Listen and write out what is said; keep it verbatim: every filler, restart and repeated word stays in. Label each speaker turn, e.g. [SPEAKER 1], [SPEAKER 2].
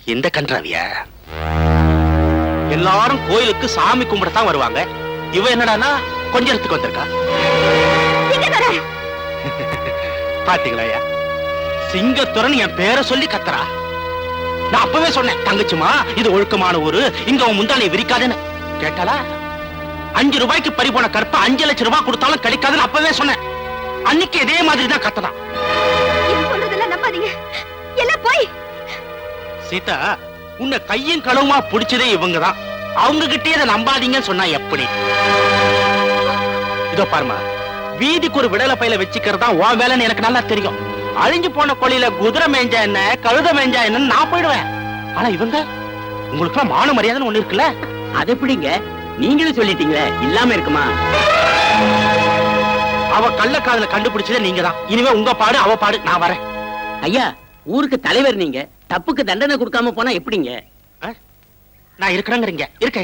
[SPEAKER 1] இந்த கன்றாவியா? எல்லாரும் கோயிலுக்கு சாமி கும்பிடத்தான் வருவாங்க. இவ என்னடானா கொஞ்சத்துக்கு வந்திருக்கா. பாத்தீங்களா சிங்கத்துறன் என் பேரை சொல்லி கத்துறா. நான் அப்பவே சொன்னேன், தங்கச்சிமா இது ஒழுக்கமான ஊரு, இங்க அவன் முந்தானை விரிக்காதுன்னு. கேட்டாளா? அஞ்சு ரூபாய்க்கு பறிபோன கற்ப அஞ்சு லட்சம் ரூபாய் கொடுத்தாலும் கிடைக்காதுன்னு அப்பவே சொன்னேன். அன்னைக்கு இதே மாதிரி தான் கத்ததான். சீதா, உன்னை கையும் களவுமா பிடிச்சதே இவங்கதான். அவங்க கிட்டே இதை நம்பாதீங்கன்னு சொன்னா எப்படி? இதோ பாருமா, வீதிக்கு ஒரு விடலை பையில வச்சுக்கிறதா உன் வேலைன்னு எனக்கு நல்லா தெரியும். அழிஞ்சு போன கொள்ளையில குதிரை மேஞ்சா என்ன, கழுத மேஞ்சா என்னன்னு நான் போயிடுவேன். ஆனா இவங்க, உங்களுக்கு எல்லாம் மான மரியாதைன்னு ஒண்ணு இருக்குல்ல. அது எப்படிங்க? நீங்களும் சொல்லிட்டீங்களே, இல்லாம இருக்குமா? அவ கள்ளக்காதல கண்டுபிடிச்சதே நீங்க தான். இனிமே உங்க பாடு அவ பாடு, நான் வரேன்.
[SPEAKER 2] ஐயா, ஊருக்கு தலைவர் நீங்க, தப்புக்கு தண்டனை கொடுக்காம போனா எப்படிங்க?
[SPEAKER 1] நான் இருக்கிறேங்கிறீங்க. இருக்க